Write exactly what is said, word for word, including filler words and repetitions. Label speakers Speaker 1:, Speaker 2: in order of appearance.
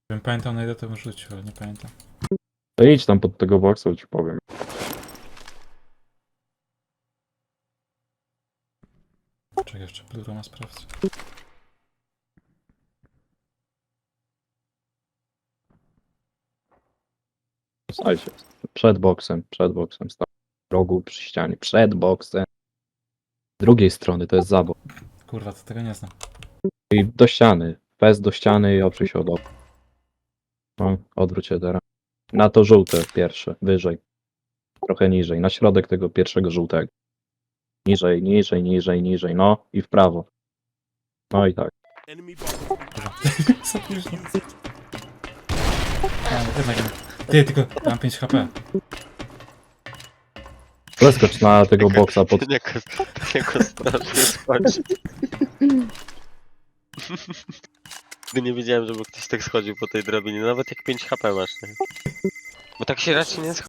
Speaker 1: Gdybym pamiętał na ile to bym rzucił, ale nie pamiętam.
Speaker 2: To idź tam pod tego boksa, ci powiem.
Speaker 1: Czekaj, jeszcze Bluroma sprawdzę.
Speaker 2: Słuchajcie, przed boksem, przed boksem, stał w rogu przy ścianie, przed boksem. Z drugiej strony to jest zabok.
Speaker 1: Kurwa, to tego nie znam.
Speaker 2: I do ściany, fest do ściany i oprzyj się od okna. No, odwróć się teraz. Na to żółte pierwsze, wyżej. Trochę niżej, na środek tego pierwszego żółtego. Niżej, niżej, niżej, niżej, no i w prawo. No i tak.
Speaker 1: Co ty już nie... A, jednak nie. Ty, tylko mam pięć HP.
Speaker 2: Zeskocz na tego boksa pod...
Speaker 3: Jako, jako strasznie schodzi. Nigdy nie wiedziałem, żeby ktoś tak schodził po tej drabinie, nawet jak pięć H P masz, nie? Bo tak się raczej nie schodzi.